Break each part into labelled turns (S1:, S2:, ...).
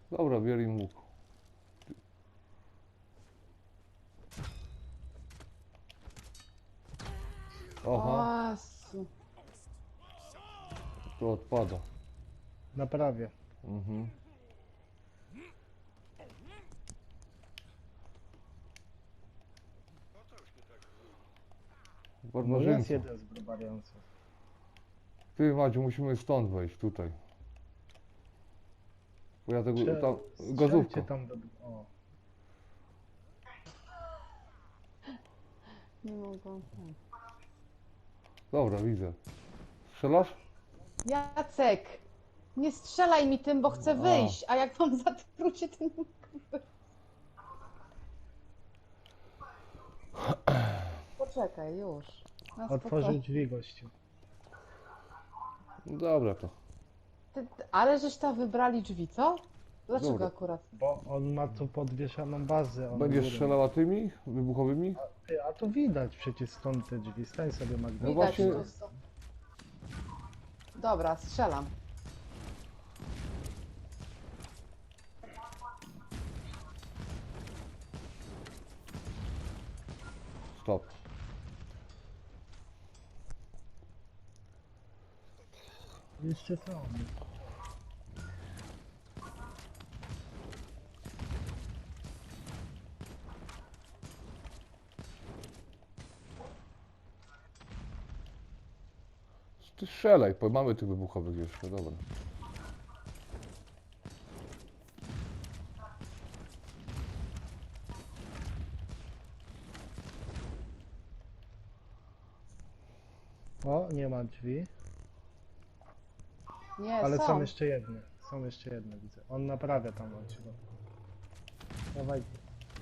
S1: Dobra, bierz im łuk. Aha,
S2: O, Jezu.
S1: to odpada.
S3: Naprawię.
S1: Mhm.
S3: No jest
S1: Barbarzyńca.
S3: jeden z barbariańców.
S1: Ty, Madziu, musimy stąd wejść, tutaj. Bo ja tego, tam, gazówka.
S3: Strzelcie tam do... O.
S2: Nie mogą.
S1: Dobra, widzę. Strzelasz?
S2: Jacek, nie strzelaj mi tym, bo chcę
S1: A.
S2: wyjść, a jak mam zatruć się tym... Poczekaj, już. Na
S3: Otworzył
S2: spokojnie.
S3: drzwi gościu.
S1: Dobra to.
S2: Ale żeś tam wybrali drzwi, co? Dlaczego
S1: Dobra.
S2: akurat?
S3: Bo on ma tu podwieszaną bazę. On
S1: Będziesz
S3: górą.
S1: strzelała tymi wybuchowymi?
S3: Ty, a tu widać przecież stąd te drzwi. Stań sobie, Magda.
S1: No
S2: Widać,
S1: właśnie-
S2: tu są. Dobra, strzelam.
S1: Stop.
S3: Jeszcze są.
S1: Ty strzelaj, bo mamy tych wybuchowych jeszcze, dobra.
S3: O, nie ma drzwi.
S2: Nie,
S3: Ale
S2: są.
S3: są jeszcze jedne. Są jeszcze jedne, widzę. On naprawia tam od środka. Dawajcie.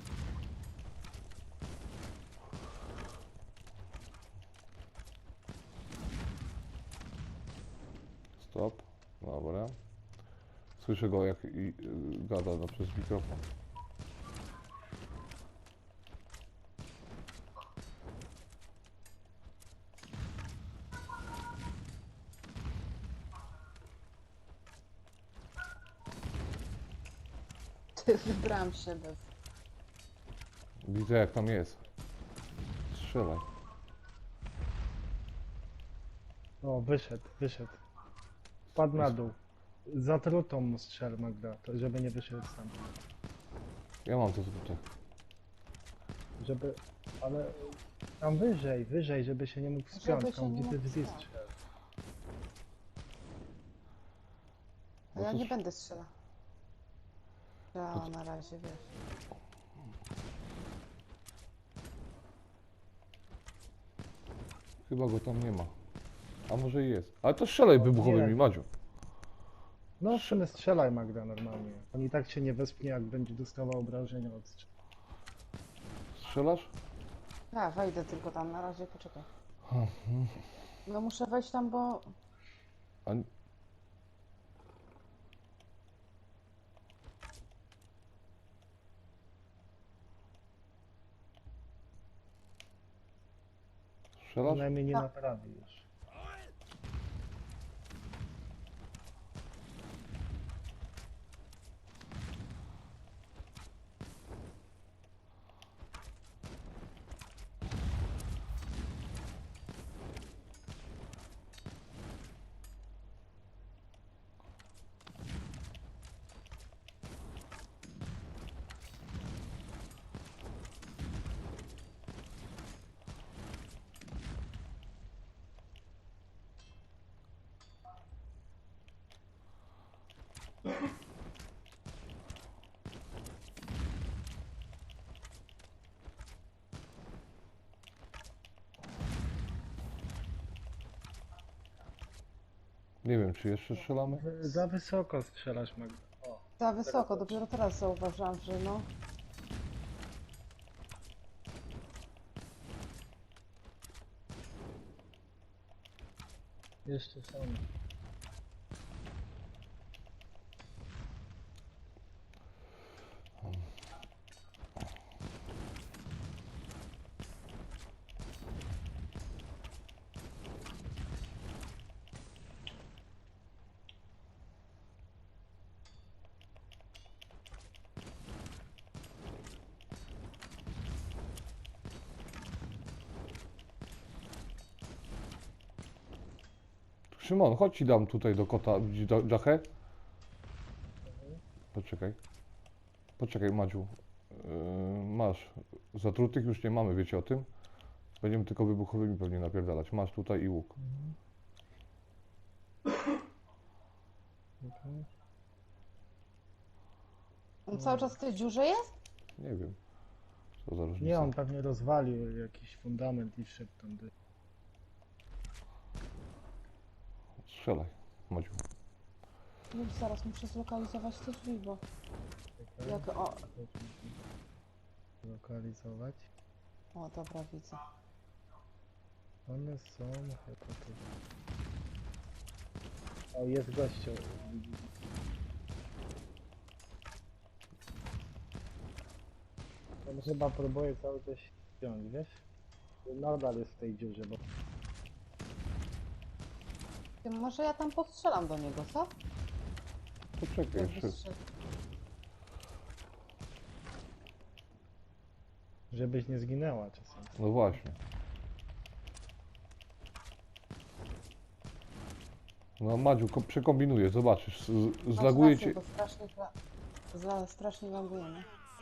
S1: Stop. Dobra. Słyszę go jak gada no, przez mikrofon.
S2: Wybrałam się bez...
S1: Widzę jak tam jest. Strzelaj.
S3: O, wyszedł. Padł na dół. Zatrutą mu strzel, Magda, to żeby nie wyszedł sam.
S1: Ja mam to tutaj.
S3: Żeby... Ale... Tam wyżej, żeby się nie mógł
S2: Żeby
S3: spiąć,
S2: się
S3: tam
S2: nie
S3: gdzie ty
S2: mógł
S3: wzjesz
S2: spiąć.
S3: strzel.
S2: A ja
S1: No to
S2: nie będę strzelała. Ja na razie, wiesz.
S1: Chyba go tam nie ma. A może i jest. Ale to strzelaj wybuchowymi,
S3: nie.
S1: Madziu.
S3: No w sumie strzelaj, Magda, normalnie. On i tak się nie wespnie, jak będzie dostawał obrażenia od strzału.
S1: Strzelasz?
S2: Ja wejdę tylko tam, na razie poczekaj. No muszę wejść tam, bo...
S1: A... Strzelasz?
S3: Przynajmniej nie
S2: Tak.
S3: naprawi już.
S1: Nie wiem, czy jeszcze strzelamy?
S3: Za wysoko strzelasz, Magda. O,
S2: Za wysoko, dopiero teraz zauważyłam, że no...
S3: jeszcze są.
S1: Szymon, chodź ci dam tutaj do kota, widzisz Jachę? Poczekaj. Poczekaj, Madziu. Masz. Zatrutych już nie mamy, wiecie o tym? Będziemy tylko wybuchowymi pewnie napierdalać. Masz tutaj i łuk.
S3: Okej.
S2: On cały czas w tej dziurze jest?
S1: Nie wiem. Co za różnica.
S3: Nie, on pewnie rozwalił jakiś fundament i wszedł tam.
S1: Strzelaj, Madziu.
S2: Już zaraz muszę zlokalizować te drzwi, bo
S3: Czekaj,
S2: jak o...
S3: lokalizować.
S2: O, dobra, widzę.
S3: One są chyba tu. O, jest gościu. On chyba próbuje cały czas ściąć, wiesz? Nadal jest w tej dziurze, bo
S2: Ty, może ja tam postrzelam do niego, co?
S1: Poczekaj
S2: Jak
S1: jeszcze.
S2: wystrzeli.
S3: żebyś nie zginęła czasem.
S1: No właśnie. No Madziu, przekombinuję, zobaczysz.
S2: Masz
S1: Zlaguje
S2: rację,
S1: cię.
S2: bo strasznie lagujemy.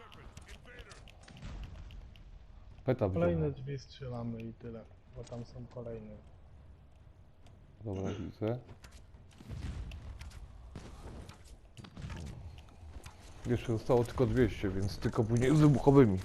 S1: Peta
S3: Kolejne
S1: wziąłem.
S3: drzwi strzelamy i tyle, bo tam są kolejne.
S1: Dobra, widzę. Jeszcze zostało tylko 200, więc tylko później z wybuchowymi.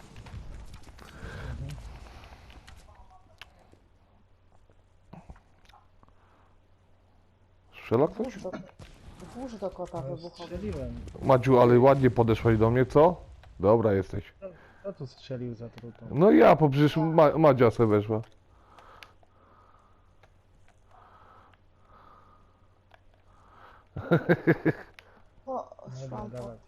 S1: Strzela ktoś?
S2: Włóż do kota
S3: No,
S2: wybuchowy.
S3: strzeliłem.
S1: Madziu, ale ładnie podeszłaś do mnie, co? Dobra jesteś.
S3: Kto tu strzelił za trutą?
S1: No ja, bo przecież Madzia se weszła.
S2: O,
S3: Dobra,
S2: szłam po...
S3: dawać.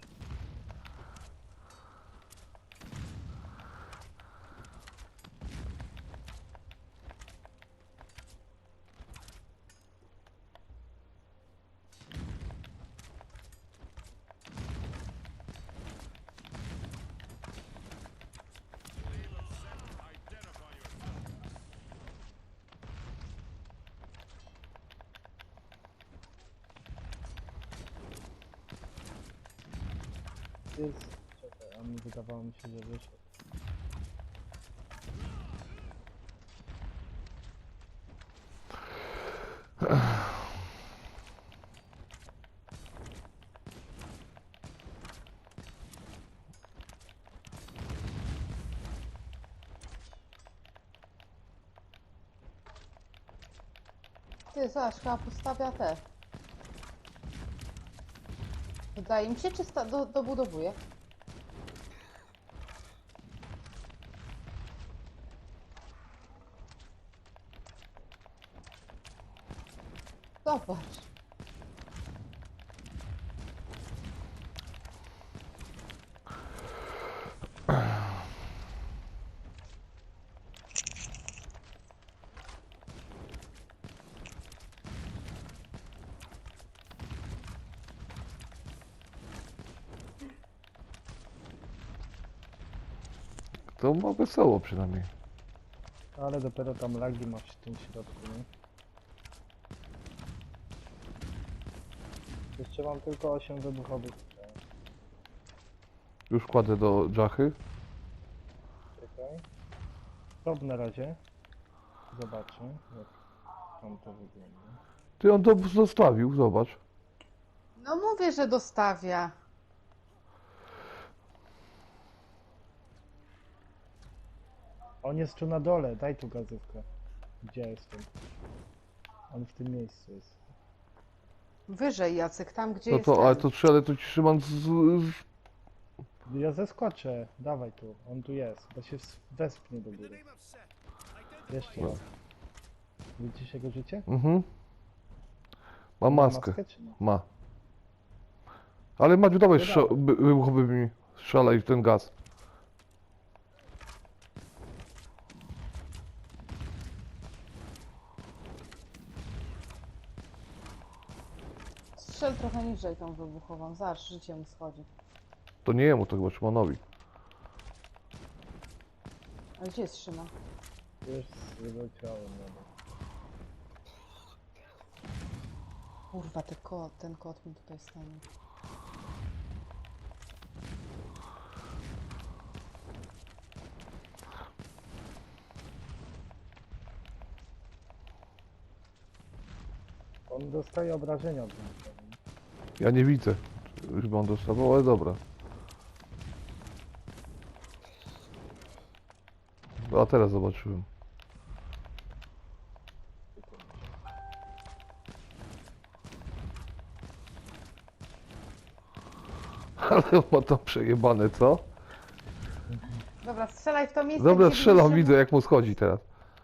S3: Jest... Czekaj, a mi wydawało mi się, że wyszedł.
S2: Ty, zobacz, chyba postawia te. Wydaje mi się, czy dobudowuje? Zobacz.
S1: To ma wesoło przynajmniej.
S3: Ale dopiero tam lagi masz w tym środku, nie? Jeszcze mam tylko 8 wybuchowych strzał.
S1: Już kładę do Jachy.
S3: Czekaj. Stop na razie. Zobaczę, jak tam to wygląda.
S1: Ty on to zostawił, zobacz.
S2: No mówię, że dostawia.
S3: On jest tu na dole, daj tu gazówkę. Gdzie jestem? On w tym miejscu jest.
S2: Wyżej, Jacek, tam gdzie
S1: No
S2: jest
S1: to, ale
S2: ten.
S1: to strzelę, to ci Szymon
S3: Ja zeskoczę, dawaj tu, on tu jest, bo się wespnie do góry. Jeszcze
S1: No.
S3: raz. Widzisz jego życie?
S1: Mhm. Ma
S3: Ma
S1: maskę.
S3: czy nie?
S1: Ma. Ale Madziu, dawaj
S3: To dawaj.
S1: wybuchowymi. Strzelaj w ten gaz.
S2: Strzel trochę niżej tą wybuchową. Zobacz, życie mu schodzi.
S1: To nie jemu, to chyba Szymonowi.
S2: A gdzie jest Szymon?
S3: Już wyleciałem na dół.
S2: Kurwa, ten kot mi tutaj stanie.
S3: On dostaje obrażenia od mnie.
S1: Ja nie widzę, żeby on dostawał, ale dobra. A teraz zobaczyłem. Ale on ma to przejebane, co?
S2: Dobra, strzelaj w to miejsce,
S1: Dobra,
S2: gdzie
S1: strzelam,
S2: widzisz,
S1: widzę jak mu schodzi teraz.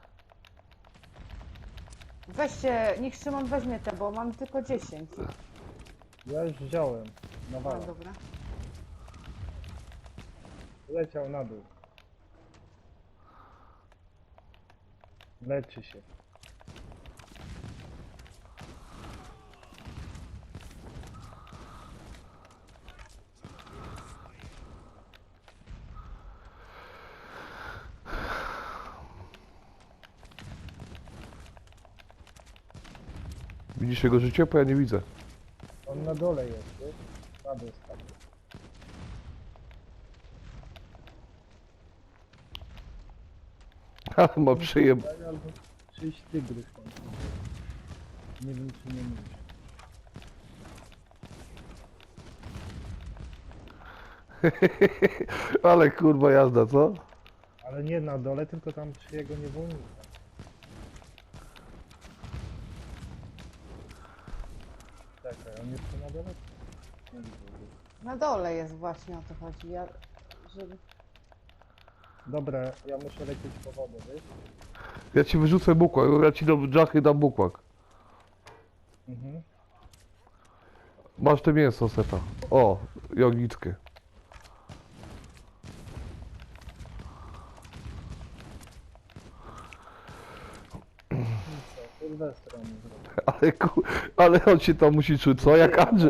S2: Weźcie, niech Szymon weźmie te, bo mam tylko 10.
S3: Ja już wziąłem.
S2: No
S3: Nawala.
S2: dobra.
S3: Leciał na dół. Leczy się.
S1: Widzisz jego życie? Bo ja nie widzę.
S3: On na dole jest, wiesz? Na dół spadł.
S1: Ale ma przejeb...
S3: Albo czyjś tygrys tam. Nie wiem czy nie mówisz.
S1: Ale kurwa jazda, co?
S3: Ale nie na dole, tylko tam przy jego niewolnika. Czekaj, on jest tu na dole? Nie widzę go.
S2: Na dole jest właśnie, o to chodzi. Żeby...
S3: Dobra, ja muszę lecieć po wodę, wiesz?
S1: Ja ci wyrzucę bukłak, ja ci do dżachy dam bukłak.
S3: Mhm.
S1: Masz te mięso, Seta. O, jognickie.
S3: I co? Sylwestra mi zrobił.
S1: Ale on się tam musi czuć, co? Jak Andrzej.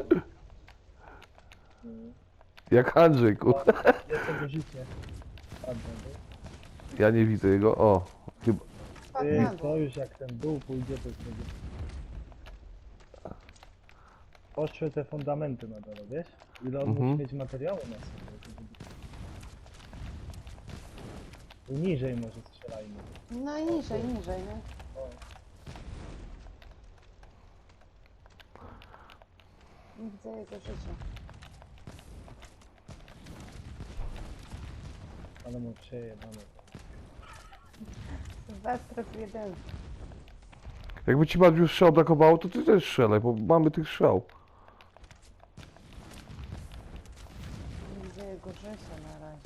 S3: Mhm.
S1: Jak Andrzej, kur...
S3: Ja tego życie. Ładnie, wiesz?
S1: Ja nie widzę jego, o. Chyba...
S2: Spadł na
S3: Ty,
S2: dół.
S3: to już jak ten dół pójdzie, to już będzie... Poszły te fundamenty na dole, wiesz? Ile on
S1: Mhm.
S3: musi mieć materiału na sobie. Tu niżej może strzelajmy.
S2: No i niżej, niżej, nie?
S3: O,
S2: Nie widzę jego życia.
S3: ale mu przejebane.
S2: Sylwester w jeden.
S1: Jakby ci bardziej strzał brakowało, to ty też strzelaj, bo mamy tych strzał.
S2: Nie widzę jego życia na razie.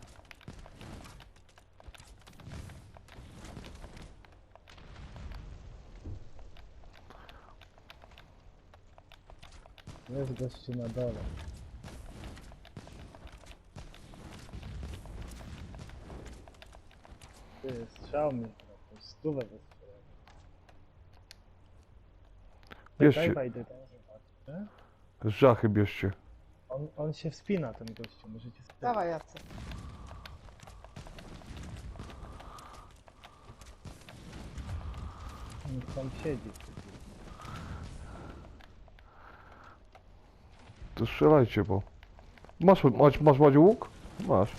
S3: Jest gościu na dole. Ty, strzał mi. Stówę wystrzelał.
S1: Bierzcie,
S3: Wejdę tam, zobaczę.
S1: z dżachy bierzcie.
S3: On się wspina, ten gościu, możecie sprawdzić.
S2: Dawaj, Jacek.
S3: On tam siedzi.
S1: To strzelajcie, bo... Masz Madziu łuk? Masz.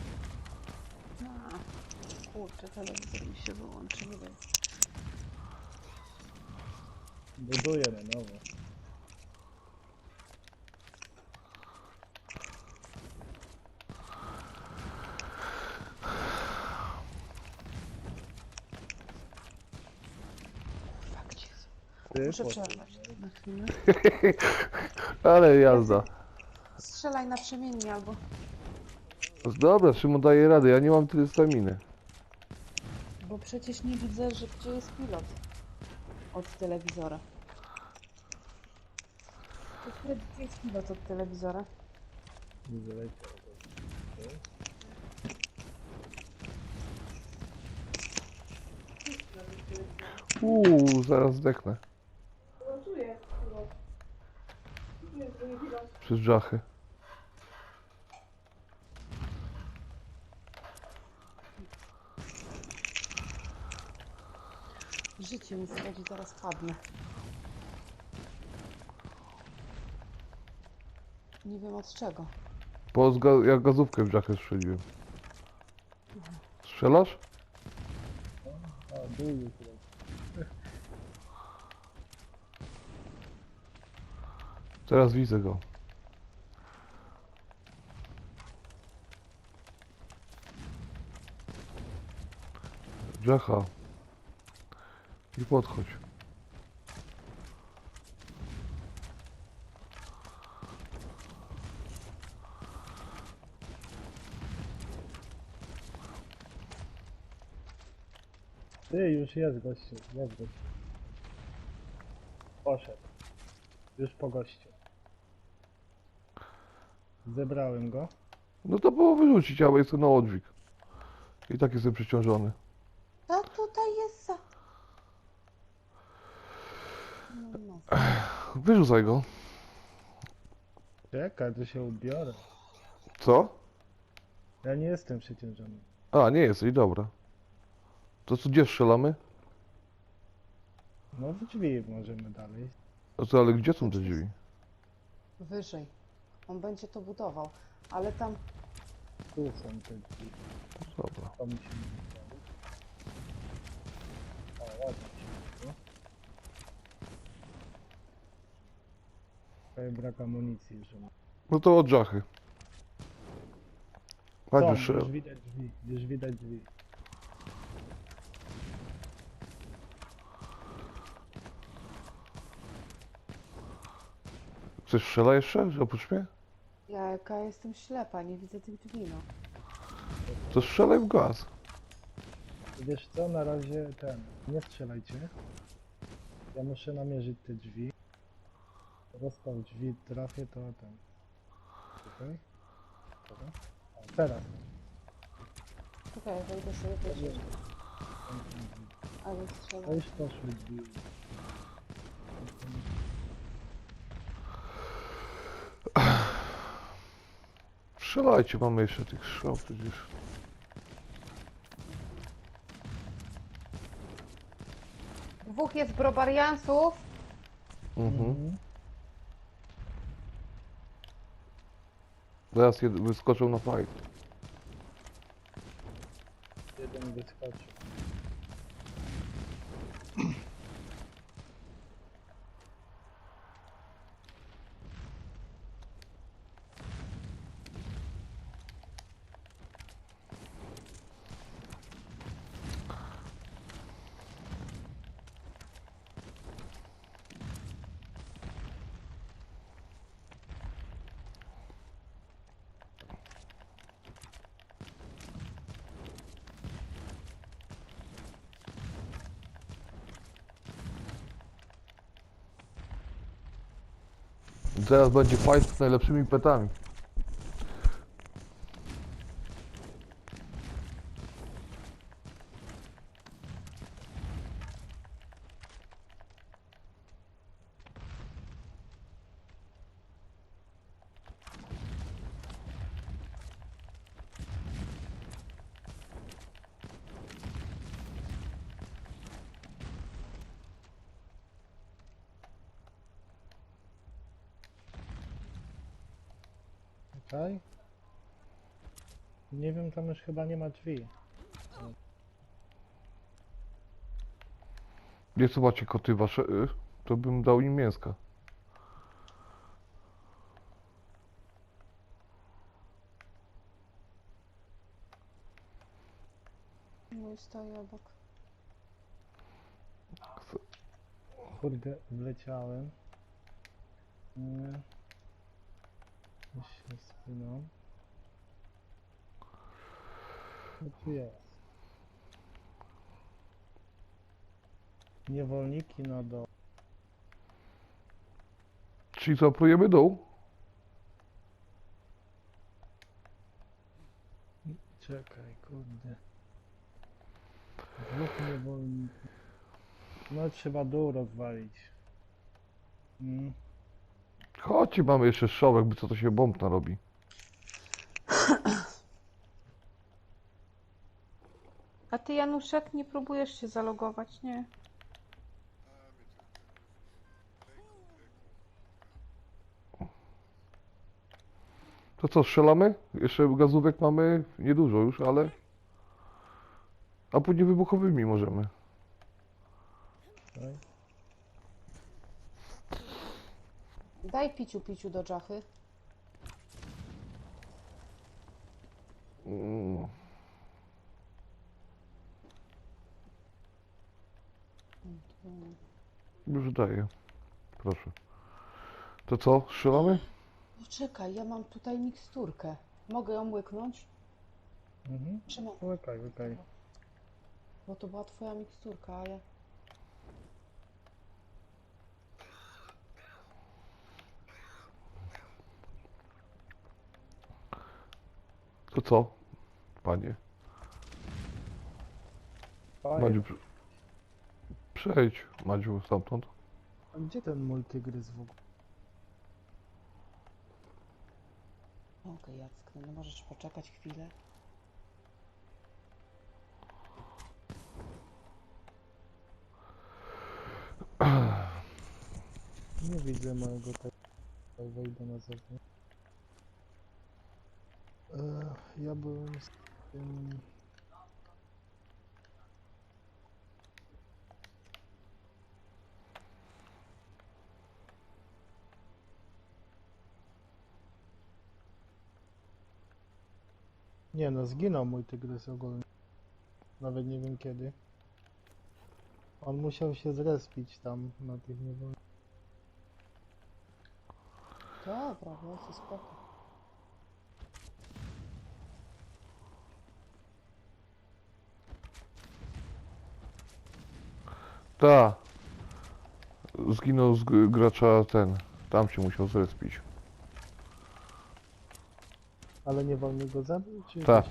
S2: Kurczę, telewizor mi się wyłączył.
S3: Buduje na nowo.
S2: Kurwa, gdzie jest?
S3: Ty,
S2: Muszę
S3: potem,
S2: przerwać na chwilę.
S1: Ale jazda.
S2: Strzelaj na przemiennie albo...
S1: Dobra, Szymon daje radę, ja nie mam tyle staminy.
S2: Bo przecież nie widzę, że gdzie jest pilot od telewizora. Gdzie jest pilot od telewizora?
S3: nie wyleciał.
S1: Zaraz zdechnę. Przez dżachy.
S2: Życie mi schodzi, zaraz padnę. Nie wiem od czego.
S1: Ja gazówkę w dżachę strzeliłem. Strzelasz?
S3: A, dół już leci.
S1: Teraz widzę go. Dżacha. I podchodź.
S3: Ty, już jest gościu, jest gościu. Poszedł. Już po gościu. Zebrałem go.
S1: No to było wyrzucić, ale jestem na odwyk. I tak jestem przeciążony.
S2: Co tutaj jest za... No.
S1: Wyrzucaj go.
S3: Czekaj, to się ubiorę.
S1: Co?
S3: Ja nie jestem przeciążony.
S1: A, nie jesteś, dobra. To co, gdzie strzelamy?
S3: No w drzwi możemy dalej.
S1: A co, ale gdzie są te drzwi?
S2: Wyżej. On będzie to budował. Ale tam...
S3: Tu są te drzwi.
S1: Dobra.
S3: To musimy zrobić. O, ładnie się. Tutaj brak amunicji już.
S1: No to od dżachy. Chodź
S3: Są,
S1: już.
S3: już widać drzwi, już widać drzwi.
S1: Chcesz strzela jeszcze? Że oprócz mnie?
S2: Jaka jestem ślepa, nie widzę tych drzwi, no.
S1: To strzelaj w gaz.
S3: Wiesz co, na razie nie strzelajcie. Ja muszę namierzyć te drzwi. Rozstaw drzwi, trafię to Tutaj. Dobra. O, teraz.
S2: Czekaj, wejdę sobie też. Ale
S3: No
S2: strzelam.
S3: już poszły drzwi.
S1: Strzelajcie, mamy jeszcze tych strzał przecież.
S2: Dwóch jest brobariansów.
S1: Mhm. Zaraz wyskoczą na fight.
S3: Jeden wyskoczył.
S1: Zaraz będzie fight z najlepszymi petami.
S3: Czekaj. Nie wiem, tam już chyba nie ma drzwi.
S1: Nie co macie koty wasze? To bym dał im mięska.
S2: Mój stoi obok.
S3: Kurde, wleciałem. Nie. Już się spinam. Co tu jest? Niewolniki na dół.
S1: Czyli co, prójemy dół?
S3: Czekaj, kurde. Dwóch niewolników. No trzeba dół rozwalić. Mm.
S1: Chodźcie, mamy jeszcze strzał, jakby co to się bomb narobi.
S2: A ty, Januszek, nie próbujesz się zalogować, nie?
S1: To co, strzelamy? Jeszcze gazówek mamy niedużo już, ale... A później wybuchowymi możemy.
S3: Daj.
S2: Daj piciu do dżachy.
S1: Mm, Już daję. Proszę. To co, strzelamy?
S2: Poczekaj, ja mam tutaj miksturkę. Mogę ją łyknąć?
S3: Mhm.
S2: Trzymaj.
S3: Łykaj, łykaj.
S2: Bo to była twoja miksturka, a ja...
S1: To co, panie? Madziu,
S3: Fajnie.
S1: przejdź, Madziu, stamtąd.
S3: A gdzie ten multigrys w ogóle?
S2: Okej, Jacek, no możesz poczekać chwilę.
S3: Nie widzę mojego tego. Wejdę na zewnątrz. Ja byłem z tym... Nie no, zginął mój tygrys ogólnie. Nawet nie wiem kiedy. On musiał się zrespić tam na tych niewolnikach.
S2: Dobra, no to spoko.
S1: Ta. Zginął z gracza ten. Tam się musiał zrespić.
S3: Ale niewolnik go zabił, czy...
S1: Tak.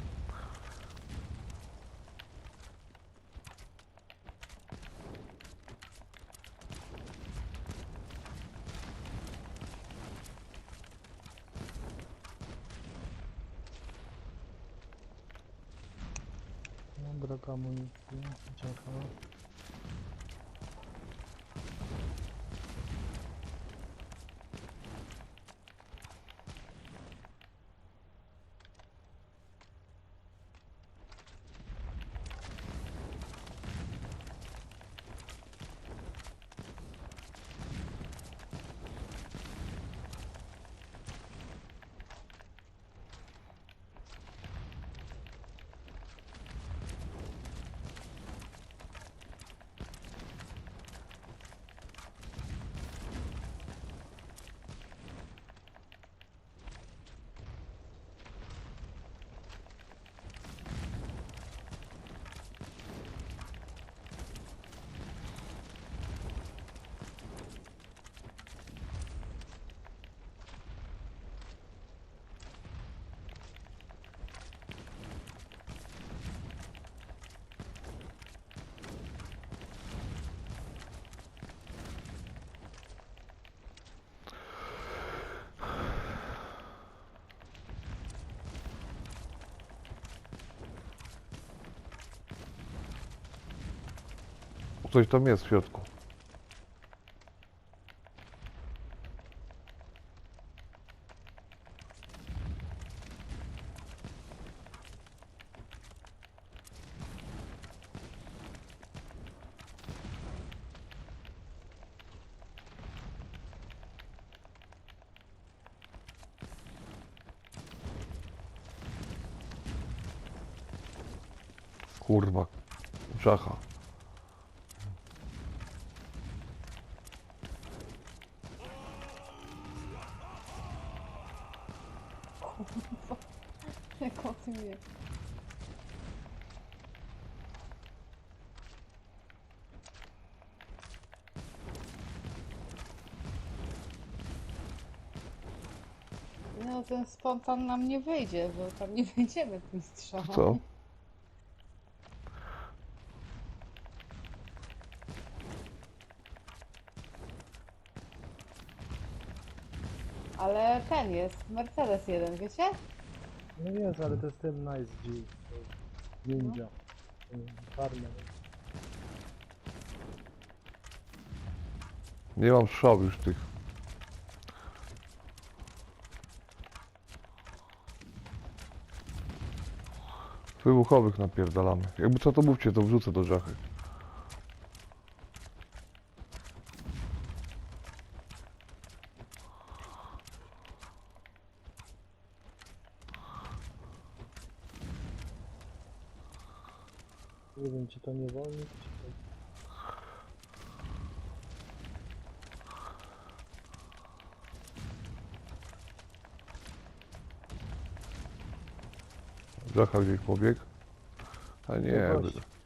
S3: No, brak amunicji. Czekam.
S1: Coś tam jest w środku. Kurwa. Czacha.
S2: Jak o tym wie. No ten spontan nam nie wyjdzie, bo tam nie wejdziemy tym strzałem.
S1: Co?
S2: Ale ten jest, Mercedes 1, wiecie?
S3: No jest, ale to jest ten Nice G. to jest Ninja. Farmer.
S1: Nie mam strzał już tych. Wybuchowych napierdalamy. Jakby co to mówcie, to wrzucę do żachy.
S3: Nie wiem, czy to nie wolno, czy to...
S1: Żacha gdzieś pobiegł. A nie,
S3: No właśnie.